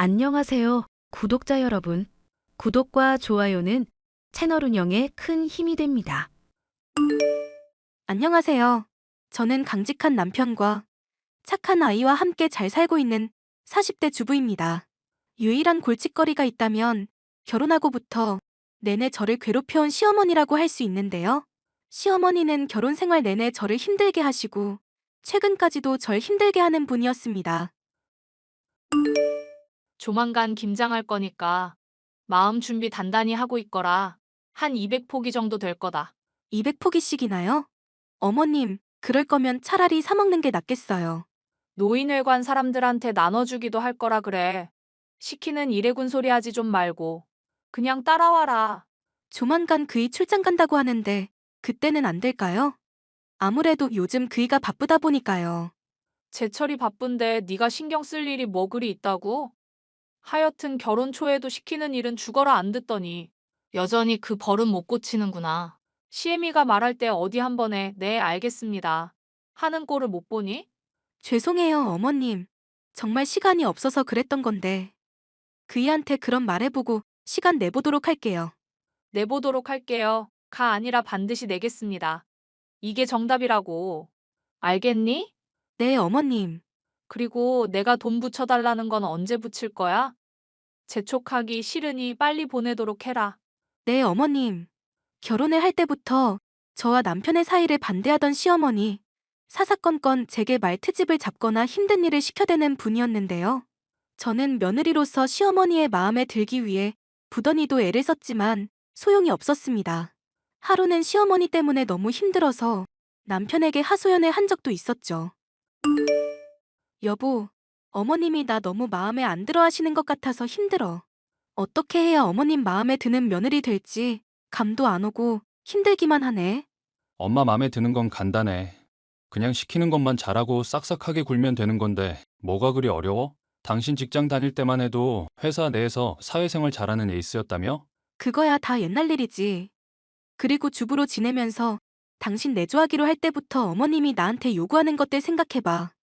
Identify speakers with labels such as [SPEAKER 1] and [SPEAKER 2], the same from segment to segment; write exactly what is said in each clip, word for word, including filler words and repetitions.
[SPEAKER 1] 안녕하세요, 구독자 여러분. 구독과 좋아요는 채널 운영에 큰 힘이 됩니다.
[SPEAKER 2] 안녕하세요. 저는 강직한 남편과 착한 아이와 함께 잘 살고 있는 사십 대 주부입니다. 유일한 골칫거리가 있다면 결혼하고부터 내내 저를 괴롭혀온 시어머니라고 할 수 있는데요. 시어머니는 결혼 생활 내내 저를 힘들게 하시고 최근까지도 절 힘들게 하는 분이었습니다.
[SPEAKER 3] 조만간 김장할 거니까 마음 준비 단단히 하고 있거라. 한 이백 포기 정도 될 거다.
[SPEAKER 2] 이백 포기씩이나요? 어머님, 그럴 거면 차라리 사 먹는 게 낫겠어요.
[SPEAKER 3] 노인회관 사람들한테 나눠주기도 할 거라 그래. 시키는 일해군 소리 하지 좀 말고. 그냥 따라와라.
[SPEAKER 2] 조만간 그이 출장 간다고 하는데 그때는 안 될까요? 아무래도 요즘 그이가 바쁘다 보니까요.
[SPEAKER 3] 제철이 바쁜데 네가 신경 쓸 일이 뭐 그리 있다고? 하여튼 결혼 초에도 시키는 일은 죽어라 안 듣더니 여전히 그 버릇 못 고치는구나. 시애미가 말할 때 어디 한 번에 네 알겠습니다 하는 꼴을 못 보니?
[SPEAKER 2] 죄송해요, 어머님. 정말 시간이 없어서 그랬던 건데. 그이한테 그런 말해보고 시간 내보도록 할게요.
[SPEAKER 3] 내보도록 할게요. 가 아니라 반드시 내겠습니다. 이게 정답이라고. 알겠니?
[SPEAKER 2] 네, 어머님.
[SPEAKER 3] 그리고 내가 돈 붙여달라는 건 언제 붙일 거야? 재촉하기 싫으니 빨리 보내도록 해라.
[SPEAKER 2] 네, 어머님. 결혼을 할 때부터 저와 남편의 사이를 반대하던 시어머니. 사사건건 제게 말트집을 잡거나 힘든 일을 시켜대는 분이었는데요. 저는 며느리로서 시어머니의 마음에 들기 위해 부더니도 애를 썼지만 소용이 없었습니다. 하루는 시어머니 때문에 너무 힘들어서 남편에게 하소연을 한 적도 있었죠. 여보, 어머님이 나 너무 마음에 안 들어 하시는 것 같아서 힘들어. 어떻게 해야 어머님 마음에 드는 며느리 될지 감도 안 오고 힘들기만 하네.
[SPEAKER 4] 엄마 맘에 드는 건 간단해. 그냥 시키는 것만 잘하고 싹싹하게 굴면 되는 건데 뭐가 그리 어려워? 당신 직장 다닐 때만 해도 회사 내에서 사회생활 잘하는 에이스였다며?
[SPEAKER 2] 그거야 다 옛날 일이지. 그리고 주부로 지내면서 당신 내조하기로 할 때부터 어머님이 나한테 요구하는 것들 생각해봐.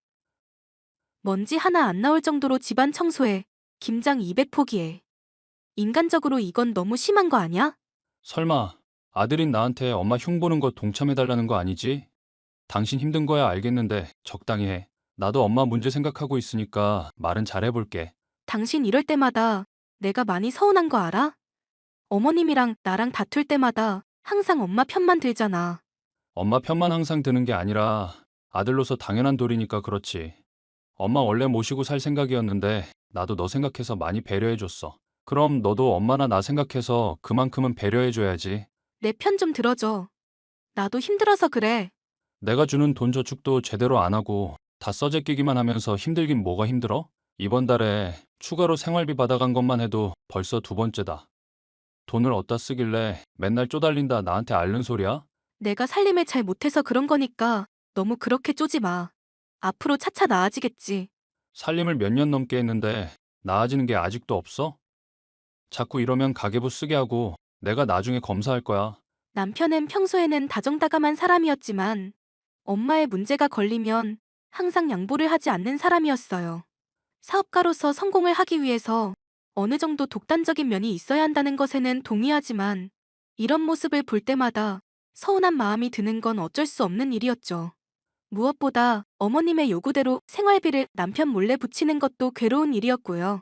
[SPEAKER 2] 먼지 하나 안 나올 정도로 집안 청소해. 김장 이백 포기에. 인간적으로 이건 너무 심한 거 아니야?
[SPEAKER 4] 설마 아들인 나한테 엄마 흉 보는 거 동참해달라는 거 아니지? 당신 힘든 거야 알겠는데 적당히 해. 나도 엄마 문제 생각하고 있으니까 말은 잘해볼게.
[SPEAKER 2] 당신 이럴 때마다 내가 많이 서운한 거 알아? 어머님이랑 나랑 다툴 때마다 항상 엄마 편만 들잖아.
[SPEAKER 4] 엄마 편만 항상 드는 게 아니라 아들로서 당연한 도리니까 그렇지. 엄마 원래 모시고 살 생각이었는데 나도 너 생각해서 많이 배려해줬어. 그럼 너도 엄마나 나 생각해서 그만큼은 배려해줘야지.
[SPEAKER 2] 내 편 좀 들어줘. 나도 힘들어서 그래.
[SPEAKER 4] 내가 주는 돈 저축도 제대로 안 하고 다 써재 끼기만 하면서 힘들긴 뭐가 힘들어? 이번 달에 추가로 생활비 받아간 것만 해도 벌써 두 번째다. 돈을 어디다 쓰길래 맨날 쪼달린다 나한테 앓는 소리야?
[SPEAKER 2] 내가 살림을 잘 못해서 그런 거니까 너무 그렇게 쪼지 마. 앞으로 차차 나아지겠지.
[SPEAKER 4] 살림을 몇 년 넘게 했는데 나아지는 게 아직도 없어? 자꾸 이러면 가계부 쓰게 하고 내가 나중에 검사할 거야.
[SPEAKER 2] 남편은 평소에는 다정다감한 사람이었지만 엄마의 문제가 걸리면 항상 양보를 하지 않는 사람이었어요. 사업가로서 성공을 하기 위해서 어느 정도 독단적인 면이 있어야 한다는 것에는 동의하지만 이런 모습을 볼 때마다 서운한 마음이 드는 건 어쩔 수 없는 일이었죠. 무엇보다 어머님의 요구대로 생활비를 남편 몰래 붙이는 것도 괴로운 일이었고요.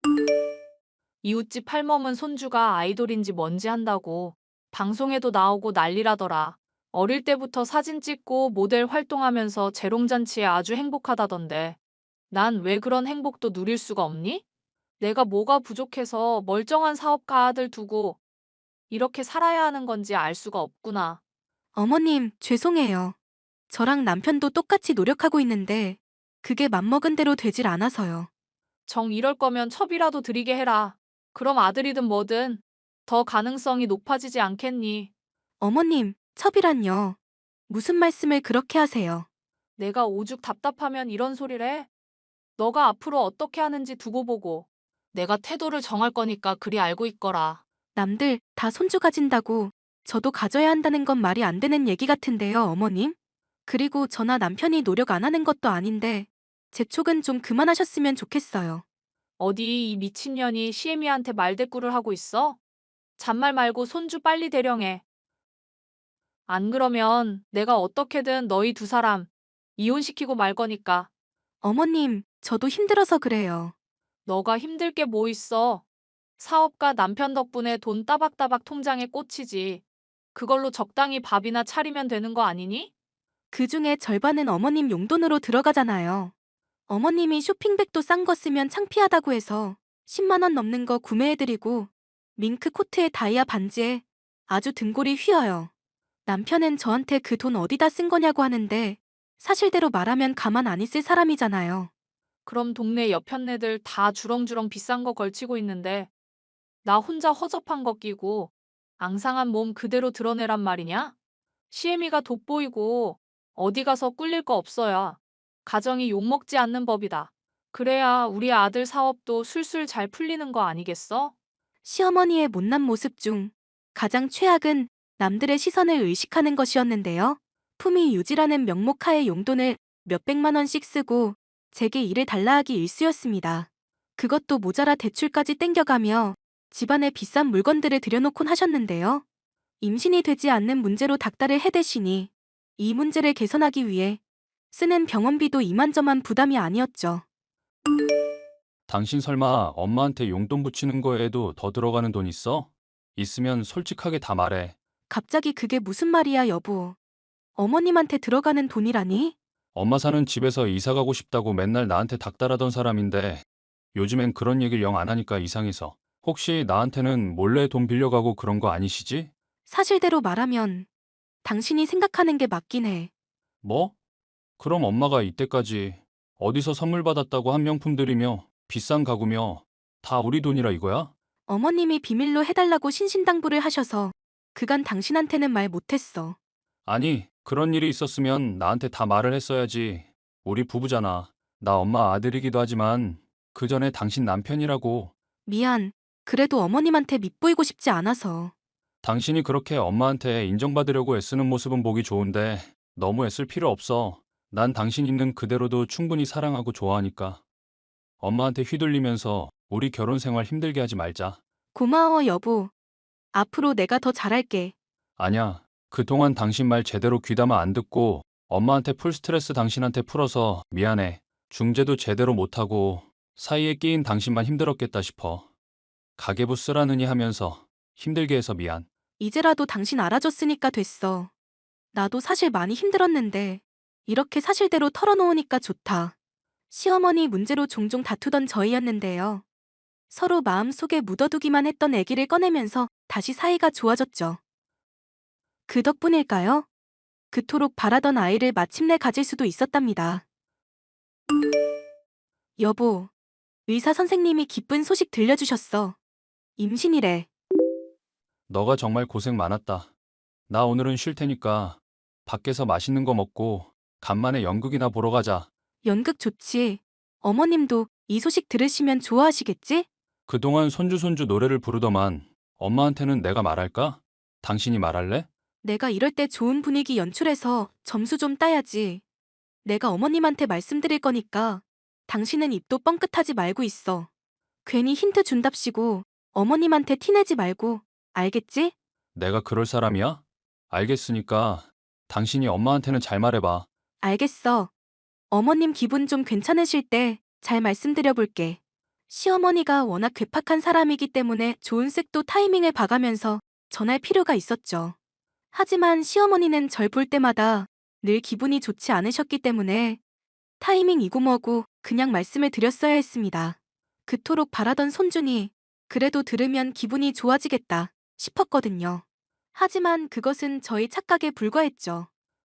[SPEAKER 3] 이웃집 할멈은 손주가 아이돌인지 뭔지 한다고 방송에도 나오고 난리라더라. 어릴 때부터 사진 찍고 모델 활동하면서 재롱잔치에 아주 행복하다던데. 난 왜 그런 행복도 누릴 수가 없니? 내가 뭐가 부족해서 멀쩡한 사업가 아들 두고 이렇게 살아야 하는 건지 알 수가 없구나.
[SPEAKER 2] 어머님, 죄송해요. 저랑 남편도 똑같이 노력하고 있는데 그게 맘먹은 대로 되질 않아서요.
[SPEAKER 3] 정 이럴 거면 첩이라도 드리게 해라. 그럼 아들이든 뭐든 더 가능성이 높아지지 않겠니?
[SPEAKER 2] 어머님, 첩이란요. 무슨 말씀을 그렇게 하세요?
[SPEAKER 3] 내가 오죽 답답하면 이런 소리를 해? 너가 앞으로 어떻게 하는지 두고 보고 내가 태도를 정할 거니까 그리 알고 있거라.
[SPEAKER 2] 남들 다 손주 가진다고 저도 가져야 한다는 건 말이 안 되는 얘기 같은데요, 어머님? 그리고 저나 남편이 노력 안 하는 것도 아닌데 재촉은 좀 그만하셨으면 좋겠어요.
[SPEAKER 3] 어디 이 미친년이 시애미한테 말대꾸를 하고 있어? 잔말 말고 손주 빨리 대령해. 안 그러면 내가 어떻게든 너희 두 사람 이혼시키고 말 거니까.
[SPEAKER 2] 어머님, 저도 힘들어서 그래요.
[SPEAKER 3] 너가 힘들 게 뭐 있어? 사업가 남편 덕분에 돈 따박따박 통장에 꽂히지. 그걸로 적당히 밥이나 차리면 되는 거 아니니?
[SPEAKER 2] 그 중에 절반은 어머님 용돈으로 들어가잖아요. 어머님이 쇼핑백도 싼 거 쓰면 창피하다고 해서 십만 원 넘는 거 구매해드리고 밍크 코트에 다이아 반지에 아주 등골이 휘어요. 남편은 저한테 그 돈 어디다 쓴 거냐고 하는데 사실대로 말하면 가만 안 있을 사람이잖아요.
[SPEAKER 3] 그럼 동네 여편네들 다 주렁주렁 비싼 거 걸치고 있는데 나 혼자 허접한 거 끼고 앙상한 몸 그대로 드러내란 말이냐? 시애미가 돋보이고 어디 가서 꿀릴 거 없어야 가정이 욕먹지 않는 법이다. 그래야 우리 아들 사업도 술술 잘 풀리는 거 아니겠어?
[SPEAKER 2] 시어머니의 못난 모습 중 가장 최악은 남들의 시선을 의식하는 것이었는데요. 품위 유지라는 명목하에 용돈을 몇백만 원씩 쓰고 제게 일을 달라 하기 일쑤였습니다. 그것도 모자라 대출까지 땡겨가며 집안에 비싼 물건들을 들여놓곤 하셨는데요. 임신이 되지 않는 문제로 닥달을 해대시니 이 문제를 개선하기 위해 쓰는 병원비도 이만저만 부담이 아니었죠.
[SPEAKER 4] 당신 설마 엄마한테 용돈 붙이는 거에도 더 들어가는 돈 있어? 있으면 솔직하게 다 말해.
[SPEAKER 2] 갑자기 그게 무슨 말이야, 여보. 어머님한테 들어가는 돈이라니?
[SPEAKER 4] 엄마 사는 집에서 이사 가고 싶다고 맨날 나한테 닥달하던 사람인데 요즘엔 그런 얘기를 영 안 하니까 이상해서. 혹시 나한테는 몰래 돈 빌려가고 그런 거 아니시지?
[SPEAKER 2] 사실대로 말하면 당신이 생각하는 게 맞긴 해.
[SPEAKER 4] 뭐? 그럼 엄마가 이때까지 어디서 선물 받았다고 한 명품들이며 비싼 가구며 다 우리 돈이라 이거야?
[SPEAKER 2] 어머님이 비밀로 해달라고 신신당부를 하셔서 그간 당신한테는 말 못했어.
[SPEAKER 4] 아니, 그런 일이 있었으면 나한테 다 말을 했어야지. 우리 부부잖아. 나 엄마 아들이기도 하지만 그 전에 당신 남편이라고.
[SPEAKER 2] 미안. 그래도 어머님한테 밉보이고 싶지 않아서.
[SPEAKER 4] 당신이 그렇게 엄마한테 인정받으려고 애쓰는 모습은 보기 좋은데 너무 애쓸 필요 없어. 난 당신 있는 그대로도 충분히 사랑하고 좋아하니까. 엄마한테 휘둘리면서 우리 결혼 생활 힘들게 하지 말자.
[SPEAKER 2] 고마워, 여보. 앞으로 내가 더 잘할게.
[SPEAKER 4] 아냐, 그동안 당신 말 제대로 귀담아 안 듣고 엄마한테 풀 스트레스 당신한테 풀어서 미안해. 중재도 제대로 못하고 사이에 끼인 당신만 힘들었겠다 싶어. 가계부 쓰라느니 하면서 힘들게 해서 미안.
[SPEAKER 2] 이제라도 당신 알아줬으니까 됐어. 나도 사실 많이 힘들었는데 이렇게 사실대로 털어놓으니까 좋다. 시어머니 문제로 종종 다투던 저희였는데요. 서로 마음속에 묻어두기만 했던 애기를 꺼내면서 다시 사이가 좋아졌죠. 그 덕분일까요? 그토록 바라던 아이를 마침내 가질 수도 있었답니다. 여보, 의사 선생님이 기쁜 소식 들려주셨어. 임신이래.
[SPEAKER 4] 너가 정말 고생 많았다. 나 오늘은 쉴 테니까 밖에서 맛있는 거 먹고 간만에 연극이나 보러 가자.
[SPEAKER 2] 연극 좋지. 어머님도 이 소식 들으시면 좋아하시겠지?
[SPEAKER 4] 그동안 손주 손주 노래를 부르더만 엄마한테는 내가 말할까? 당신이 말할래?
[SPEAKER 2] 내가 이럴 때 좋은 분위기 연출해서 점수 좀 따야지. 내가 어머님한테 말씀드릴 거니까 당신은 입도 뻥끗하지 말고 있어. 괜히 힌트 준답시고 어머님한테 티내지 말고, 알겠지?
[SPEAKER 4] 내가 그럴 사람이야? 알겠으니까 당신이 엄마한테는 잘 말해봐.
[SPEAKER 2] 알겠어. 어머님 기분 좀 괜찮으실 때 잘 말씀드려 볼게. 시어머니가 워낙 괴팍한 사람이기 때문에 좋은 색도 타이밍을 봐가면서 전할 필요가 있었죠. 하지만 시어머니는 절 볼 때마다 늘 기분이 좋지 않으셨기 때문에 타이밍이고 뭐고 그냥 말씀을 드렸어야 했습니다. 그토록 바라던 손준이 그래도 들으면 기분이 좋아지겠다 싶었거든요. 하지만 그것은 저희 착각에 불과했죠.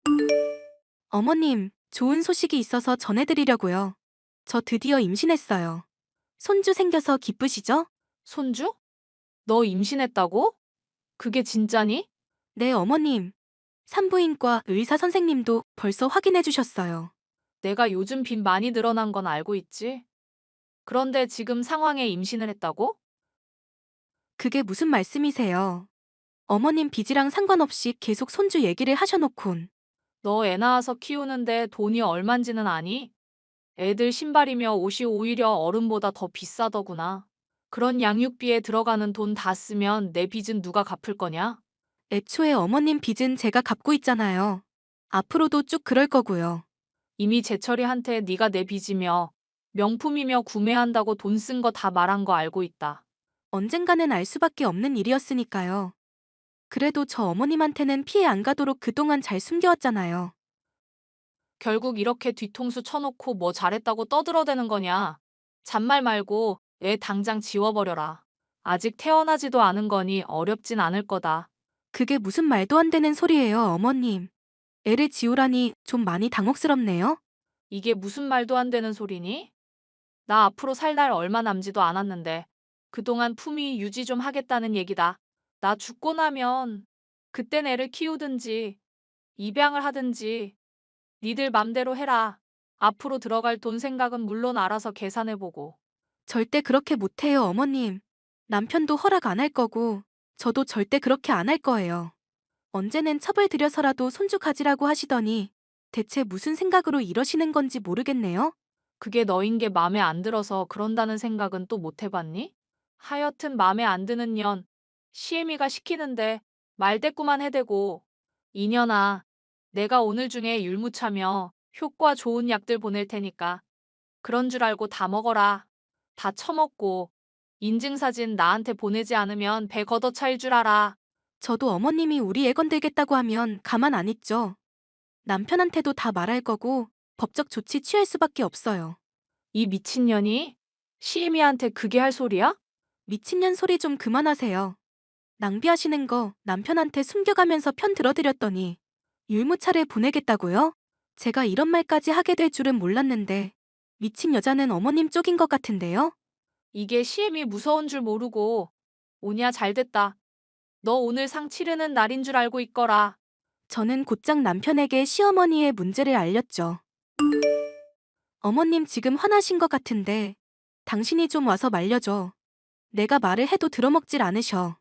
[SPEAKER 2] 어머님, 좋은 소식이 있어서 전해드리려고요. 저 드디어 임신했어요. 손주 생겨서 기쁘시죠?
[SPEAKER 3] 손주? 너 임신했다고? 그게 진짜니?
[SPEAKER 2] 네, 어머님. 산부인과 의사 선생님도 벌써 확인해 주셨어요.
[SPEAKER 3] 내가 요즘 빚 많이 늘어난 건 알고 있지. 그런데 지금 상황에 임신을 했다고?
[SPEAKER 2] 그게 무슨 말씀이세요? 어머님 빚이랑 상관없이 계속 손주 얘기를 하셔놓곤.
[SPEAKER 3] 너 애 낳아서 키우는데 돈이 얼만지는 아니? 애들 신발이며 옷이 오히려 어른보다 더 비싸더구나. 그런 양육비에 들어가는 돈 다 쓰면 내 빚은 누가 갚을 거냐?
[SPEAKER 2] 애초에 어머님 빚은 제가 갚고 있잖아요. 앞으로도 쭉 그럴 거고요.
[SPEAKER 3] 이미 재철이한테 네가 내 빚이며 명품이며 구매한다고 돈 쓴 거 다 말한 거 알고 있다.
[SPEAKER 2] 언젠가는 알 수밖에 없는 일이었으니까요. 그래도 저 어머님한테는 피해 안 가도록 그동안 잘 숨겨왔잖아요.
[SPEAKER 3] 결국 이렇게 뒤통수 쳐놓고 뭐 잘했다고 떠들어대는 거냐? 잔말 말고 애 당장 지워버려라. 아직 태어나지도 않은 거니 어렵진 않을 거다.
[SPEAKER 2] 그게 무슨 말도 안 되는 소리예요, 어머님. 애를 지우라니 좀 많이 당혹스럽네요.
[SPEAKER 3] 이게 무슨 말도 안 되는 소리니? 나 앞으로 살 날 얼마 남지도 않았는데 그동안 품위 유지 좀 하겠다는 얘기다. 나 죽고 나면 그땐 애를 키우든지 입양을 하든지 니들 맘대로 해라. 앞으로 들어갈 돈 생각은 물론 알아서 계산해보고.
[SPEAKER 2] 절대 그렇게 못해요, 어머님. 남편도 허락 안 할 거고, 저도 절대 그렇게 안 할 거예요. 언제는 첩을 들여서라도 손주 가지라고 하시더니, 대체 무슨 생각으로 이러시는 건지 모르겠네요.
[SPEAKER 3] 그게 너인 게 맘에 안 들어서 그런다는 생각은 또 못 해봤니? 하여튼 맘에 안 드는 년, 시애미가 시키는데 말대꾸만 해대고. 이년아, 내가 오늘 중에 율무차며 효과 좋은 약들 보낼 테니까 그런 줄 알고 다 먹어라. 다 처먹고 인증사진 나한테 보내지 않으면 배 걷어차일 줄 알아.
[SPEAKER 2] 저도 어머님이 우리 애 건들겠다고 하면 가만 안 있죠. 남편한테도 다 말할 거고, 법적 조치 취할 수밖에 없어요.
[SPEAKER 3] 이 미친년이 시애미한테 그게 할 소리야?
[SPEAKER 2] 미친년 소리 좀 그만하세요. 낭비하시는 거 남편한테 숨겨가면서 편 들어드렸더니 율무차를 보내겠다고요? 제가 이런 말까지 하게 될 줄은 몰랐는데 미친 여자는 어머님 쪽인 것 같은데요?
[SPEAKER 3] 이게 시애미 무서운 줄 모르고 오냐 잘됐다. 너 오늘 상 치르는 날인 줄 알고 있거라.
[SPEAKER 2] 저는 곧장 남편에게 시어머니의 문제를 알렸죠. 어머님 지금 화나신 것 같은데 당신이 좀 와서 말려줘. 내가 말을 해도 들어먹질 않으셔.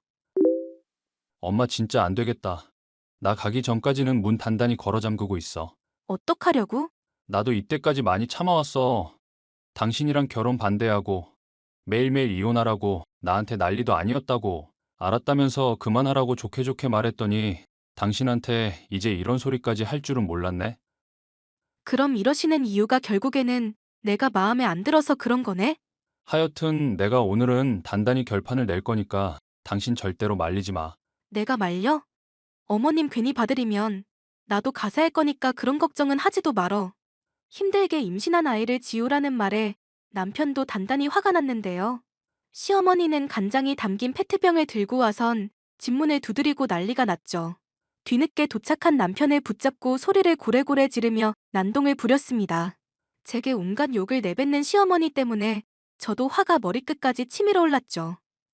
[SPEAKER 4] 엄마 진짜 안 되겠다. 나 가기 전까지는 문 단단히 걸어 잠그고 있어.
[SPEAKER 2] 어떡하려고?
[SPEAKER 4] 나도 이때까지 많이 참아왔어. 당신이랑 결혼 반대하고 매일매일 이혼하라고 나한테 난리도 아니었다고 알았다면서 그만하라고 좋게 좋게 말했더니 당신한테 이제 이런 소리까지 할 줄은 몰랐네.
[SPEAKER 2] 그럼 이러시는 이유가 결국에는 내가 마음에 안 들어서 그런 거네?
[SPEAKER 4] 하여튼 내가 오늘은 단단히 결판을 낼 거니까 당신 절대로 말리지 마.
[SPEAKER 2] 내가 말려? 어머님 괜히 받으리면 나도 가사할 거니까 그런 걱정은 하지도 말어. 힘들게 임신한 아이를 지우라는 말에 남편도 단단히 화가 났는데요. 시어머니는 간장이 담긴 페트병을 들고 와선 집문을 두드리고 난리가 났죠. 뒤늦게 도착한 남편을 붙잡고 소리를 고래고래 지르며 난동을 부렸습니다. 제게 온갖 욕을 내뱉는 시어머니 때문에 저도 화가 머리끝까지 치밀어 올랐죠.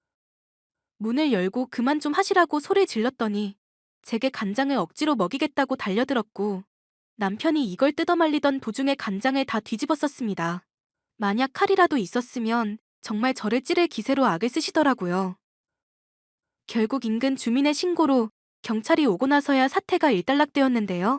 [SPEAKER 2] 문을 열고 그만 좀 하시라고 소리 질렀더니 제게 간장을 억지로 먹이겠다고 달려들었고 남편이 이걸 뜯어말리던 도중에 간장을 다 뒤집어 썼습니다. 만약 칼이라도 있었으면 정말 저를 찌를 기세로 악을 쓰시더라고요. 결국 인근 주민의 신고로 경찰이 오고 나서야 사태가 일단락되었는데요.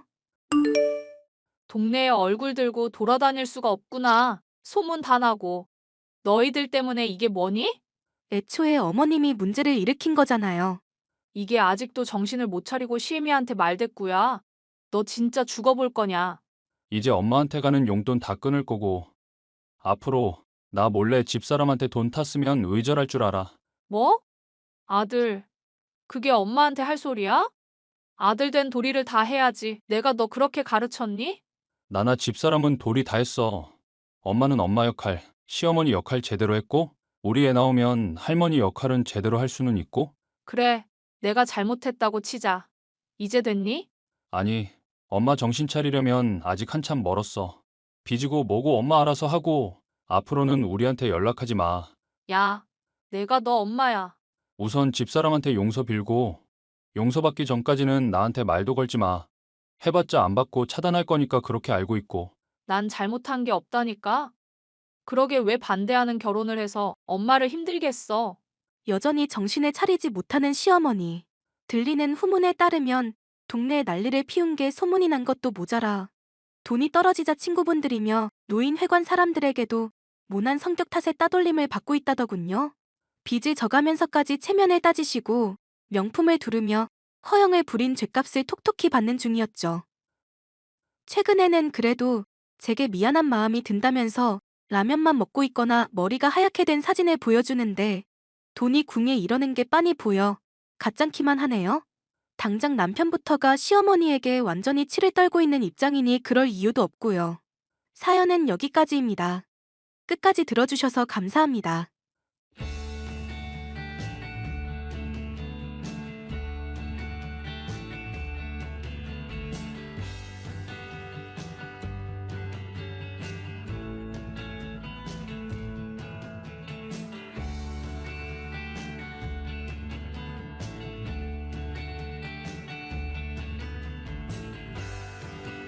[SPEAKER 3] 동네에 얼굴 들고 돌아다닐 수가 없구나. 소문 다 나고. 너희들 때문에 이게 뭐니?
[SPEAKER 2] 애초에 어머님이 문제를 일으킨 거잖아요.
[SPEAKER 3] 이게 아직도 정신을 못 차리고 시애미한테 말대꾸야. 너 진짜 죽어볼 거냐?
[SPEAKER 4] 이제 엄마한테 가는 용돈 다 끊을 거고 앞으로 나 몰래 집사람한테 돈 탔으면 의절할 줄 알아.
[SPEAKER 3] 뭐? 아들, 그게 엄마한테 할 소리야? 아들 된 도리를 다 해야지. 내가 너 그렇게 가르쳤니?
[SPEAKER 4] 나나 집사람은 도리 다 했어. 엄마는 엄마 역할, 시어머니 역할 제대로 했고 우리 애 나오면 할머니 역할은 제대로 할 수는 있고.
[SPEAKER 3] 그래, 내가 잘못했다고 치자. 이제 됐니?
[SPEAKER 4] 아니, 엄마 정신 차리려면 아직 한참 멀었어. 빚이고 뭐고 엄마 알아서 하고 앞으로는 우리한테 연락하지 마.
[SPEAKER 3] 야, 내가 너 엄마야.
[SPEAKER 4] 우선 집사람한테 용서 빌고 용서받기 전까지는 나한테 말도 걸지 마. 해봤자 안 받고 차단할 거니까 그렇게 알고 있고.
[SPEAKER 3] 난 잘못한 게 없다니까. 그러게 왜 반대하는 결혼을 해서 엄마를 힘들게 했어.
[SPEAKER 2] 여전히 정신을 차리지 못하는 시어머니. 들리는 후문에 따르면 동네에 난리를 피운 게 소문이 난 것도 모자라 돈이 떨어지자 친구분들이며 노인회관 사람들에게도 모난 성격 탓에 따돌림을 받고 있다더군요. 빚을 져가면서까지 체면을 따지시고 명품을 두르며 허영을 부린 죗값을 톡톡히 받는 중이었죠. 최근에는 그래도 제게 미안한 마음이 든다면서 라면만 먹고 있거나 머리가 하얗게 된 사진을 보여주는데 돈이 궁에 이러는 게 빤히 보여 가짱키만 하네요. 당장 남편부터가 시어머니에게 완전히 치를 떨고 있는 입장이니 그럴 이유도 없고요. 사연은 여기까지입니다. 끝까지 들어주셔서 감사합니다.